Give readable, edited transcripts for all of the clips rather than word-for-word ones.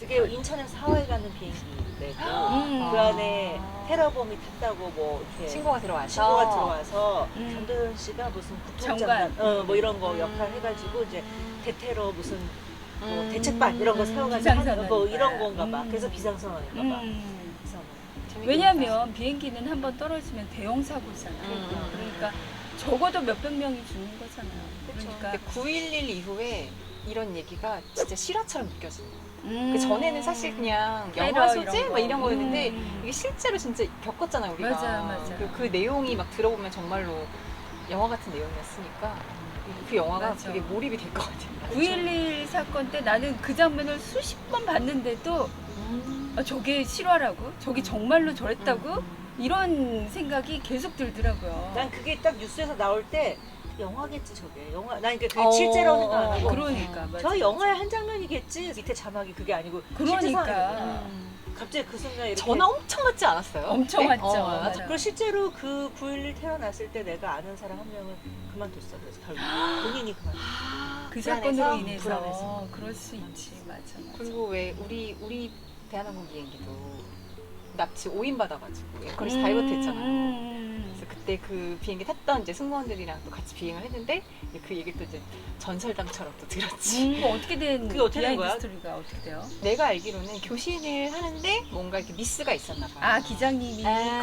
그게 인천에서 하와이 가는 비행기래고 그 안에 테러범이 탔다고 뭐 이렇게 신고가 들어와서. 신고가 들어와서 전도연 씨가 무슨 국토장관 뭐 이런 거 역할 해가지고 이제 대테러 무슨 뭐 대책반 이런 거 세워가지고 하는 뭐 이런 건가 봐. 그래서 비상선언인가 봐. 왜냐하면 비행기는 한번 떨어지면 대형 사고잖아요. 그러니까 적어도 몇백 명이 죽는 거잖아요. 그러니까 9.11 이후에 이런 얘기가 진짜 실화처럼 느껴져요. 그 전에는 사실 그냥 영화 소재 뭐 이런 거였는데 이게 실제로 진짜 겪었잖아요, 우리가. 맞아요. 그 내용이 막 들어보면 정말로 영화 같은 내용이었으니까 그 영화가 맞아. 되게 몰입이 될 것 같아요. 9.11 사건 때 나는 그 장면을 수십 번 봤는데도 아, 저게 실화라고? 저게 정말로 저랬다고? 이런 생각이 계속 들더라고요. 난 그게 딱 뉴스에서 나올 때 영화겠지 저게 영화. 난 그게 실제로 생각 안 하고 그러니까 저 영화의 한 장면이겠지. 밑에 자막이 그게 아니고 실제 그러니까 상황이구나. 갑자기 그 순간 이렇게 전화 엄청 맞지 않았어요? 엄청 네? 왔죠. 맞아. 그리고 실제로 그 9.11 테러 났을 때 내가 아는 사람 한 명은 그만뒀어. 그래서 결국 본인이 그만뒀어. 그 불안해서? 사건으로 인해서 불안해서. 그럴 수 있지. 맞아. 그리고 왜 우리 대한항공 비행기도 납치 5인 받아가지고 에어컨에서 다이버트 했잖아요. 그래서 그때 그 비행기 탔던 이제 승무원들이랑 또 같이 비행을 했는데 그 얘기를 또 이제 전설담처럼 또 들었지. 어떻게 된 그게 어떻게 된 비하인드 거야? 스토리가 어떻게 돼요? 내가 알기로는 교신을 하는데 뭔가 이렇게 미스가 있었나 봐요. 아 기장님이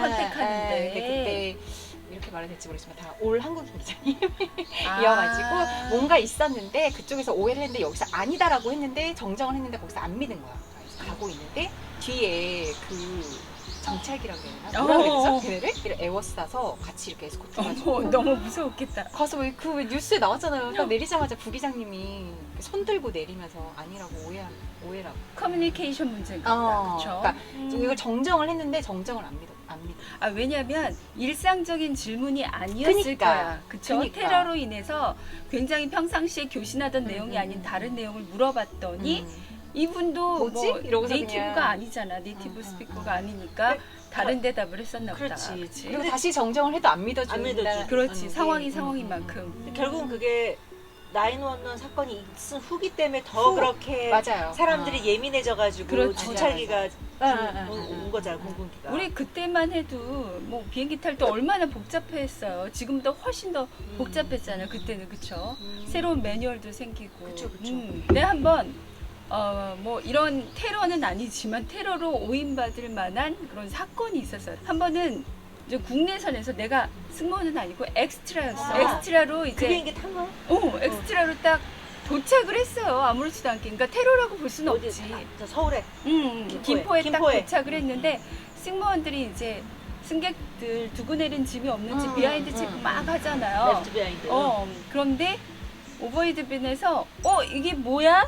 컨택하는데 근데 그때 이렇게 말해도 될지 모르지만 다 올 한국인 기장님이어가지고 아. 뭔가 있었는데 그쪽에서 오해를 했는데 여기서 아니다라고 했는데 정정을 했는데 거기서 안 믿은 거야. 그래서 가고 있는데 뒤에 그 정찰기라고 해야 되나? 뭐라 그랬죠? 걔네를? 이렇게 에워싸서 같이 이렇게 에스코트 해가지고 너무 무서웠겠다. 가서 그 뉴스에 나왔잖아요. 딱 내리자마자 부기장님이 손 들고 내리면서 아니라고 오해라고. 커뮤니케이션 문제인가 보다. 그렇죠? 그러니까 이걸 정정을 했는데 정정을 안 믿어. 아 왜냐하면 일상적인 질문이 아니었을 그니까. 거야. 그쵸? 그니까. 테러로 인해서 굉장히 평상시에 교신하던 내용이 아닌 다른 내용을 물어봤더니 이분도 뭐지? 뭐 이러고서 네이티브가 그냥. 아니잖아. 네이티브 스피커가 아니니까 다른 대답을 했었나 보다. 그렇지. 그치? 그리고 다시 정정을 해도 안 믿어준다. 안 믿어주지. 그렇지. 상황이 상황인 만큼. 결국은 그게 911 사건이 있은 후기 때문에 더 그렇게 맞아요. 사람들이 예민해져가지고 그렇지. 정찰기가 맞아. 온 거잖아. 공군기가. 우리 그때만 해도 뭐 비행기 탈 때 얼마나 복잡했어요. 지금보다 훨씬 더 복잡했잖아요. 그때는 그쵸? 새로운 매뉴얼도 생기고. 그쵸. 네 한번 뭐 이런 테러는 아니지만 테러로 오인받을 만한 그런 사건이 있었어요. 한 번은 이제 국내선에서 내가 승무원은 아니고 엑스트라였어. 엑스트라로 이제 그 비행기 탄 거? 엑스트라로 딱 도착을 했어요. 아무렇지도 않게. 그러니까 테러라고 볼 수는 어디? 없지. 저 서울에. 김포에 딱 김포에. 도착을 했는데 승무원들이 이제 승객들 두고 내린 짐이 없는지 비하인드 체크 막 하잖아요. 레프트 비하인드. 그런데 오버헤드빈에서 이게 뭐야?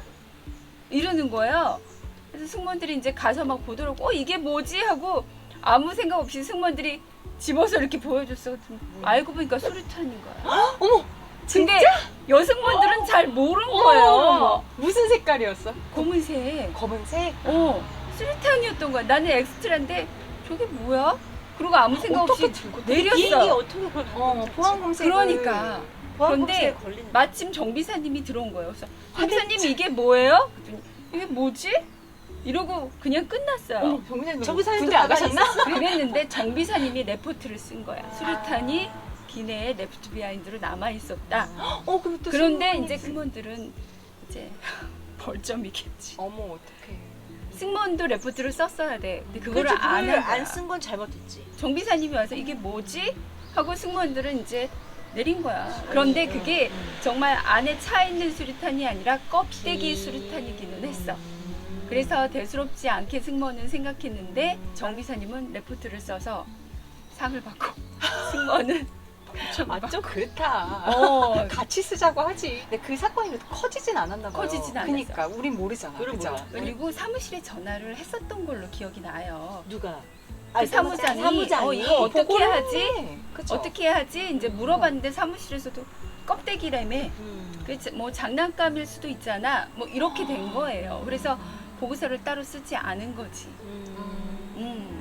이러는 거예요. 그래서 승무원들이 이제 가서 막 보도록 이게 뭐지? 하고 아무 생각 없이 승무원들이 집어서 이렇게 보여줬어. 알고 보니까 수류탄인 거야. 어머! 근데 여승무원들은 잘 모르는 거예요. 무슨 색깔이었어? 검은색. 검은색? 수류탄이었던 거야. 나는 엑스트라인데 저게 뭐야? 그러고 아무 생각 없이 어떻게 들고 비행기 내렸어. 어떻게 그걸 보안 검색. 그러니까. 보안검사에 그런데 걸리는. 마침 정비사님이 들어온 거예요. 그래서 정비사님 이게 뭐예요? 그랬더니 이게 뭐지? 이러고 그냥 끝났어요. 정비사님도 군대 안 가만히 가셨나? 그랬는데 정비사님이 레포트를 쓴 거야. 수류탄이 기내에 레프트 비하인드로 남아 있었다. 그럼 또 그런데 승무원이 이제 승무원들은 이제 벌점이겠지. 어머 어떡해. 승무원도 레포트를 썼어야 돼. 근데 그거를 안 안 쓴 건 잘못했지. 정비사님이 와서 이게 뭐지? 하고 승무원들은 이제 내린 거야. 그런데 그게 정말 안에 차 있는 수류탄이 아니라 껍데기 수류탄이기는 했어. 그래서 대수롭지 않게 승무원은 생각했는데 정비사님은 레포트를 써서 상을 받고 승무원은 좀 그렇다. 같이 쓰자고 하지. 근데 그 사건이 그래도 커지진 않았나 봐요. 커지진 않았어. 그러니까 우린 모르잖아. 우린 그죠? 몰라. 그리고 사무실에 전화를 했었던 걸로 기억이 나요. 누가? 그 사무장이 이거 어떻게 보고를 하지? 해. 그쵸? 어떻게 하지? 이제 물어봤는데 사무실에서도 껍데기라며. 그 뭐 장난감일 수도 있잖아. 뭐 이렇게 된 거예요. 그래서 보고서를 따로 쓰지 않은 거지.